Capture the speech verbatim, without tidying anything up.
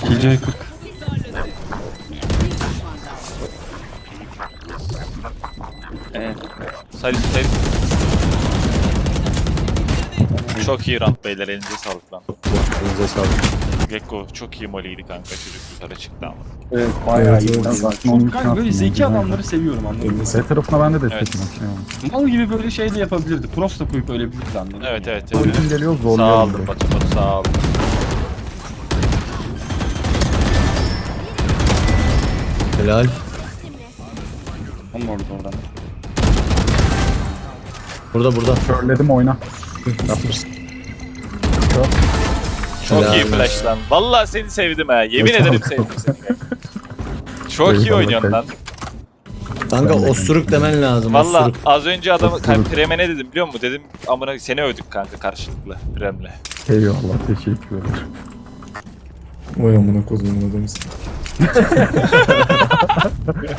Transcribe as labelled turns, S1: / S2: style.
S1: Gece kırk.
S2: Evet. Sayın sayın. Çok iyi round beyler, elinize sağlık lan.
S3: Elinize sağlık.
S2: Gekko çok iyi moliydi kanka, çocuk yukarı çıktı ama.
S1: Evet bayağı
S4: Evet,
S1: iyi.
S4: evet.
S1: Ben
S4: Zaten onun
S1: Çok
S4: için
S1: kanka böyle
S4: attım
S1: zeki
S4: ben.
S1: adamları seviyorum anladın mı?
S4: B tarafına ben de destek
S2: Evet.
S4: evet.
S1: Mal gibi böyle şey de yapabilirdi. Cross da koyup ölebilirdi anladın mı?
S2: Evet evet.
S4: O
S2: evet.
S4: için geliyor
S2: Sağ
S4: zorluyorum
S2: ol
S4: direkt.
S2: Batu Batu, sağ ol.
S3: Helal.
S1: Onun orada oradan.
S3: Burada burada.
S4: Körledim oyna.
S3: Yapmışsın.
S2: Çok
S3: Helal
S2: iyi
S3: olsun.
S2: flash lan. Vallahi seni sevdim ha. Yemin
S4: Yok,
S2: ederim
S4: yok.
S2: sevdim seni. Çok iyi
S4: Eyvallah,
S2: oynuyorsun lan.
S3: Kanka
S4: Ben de
S3: osuruk demen lazım.
S2: Valla
S3: Osuruk.
S2: az önce adamı
S4: Osuruk.
S2: Prem'e ne dedim biliyor musun? Dedim amına seni övdük kanka karşılıklı Prem'le.
S4: Eyvallah teşekkürler.
S5: Vay amına kodumun adamısın.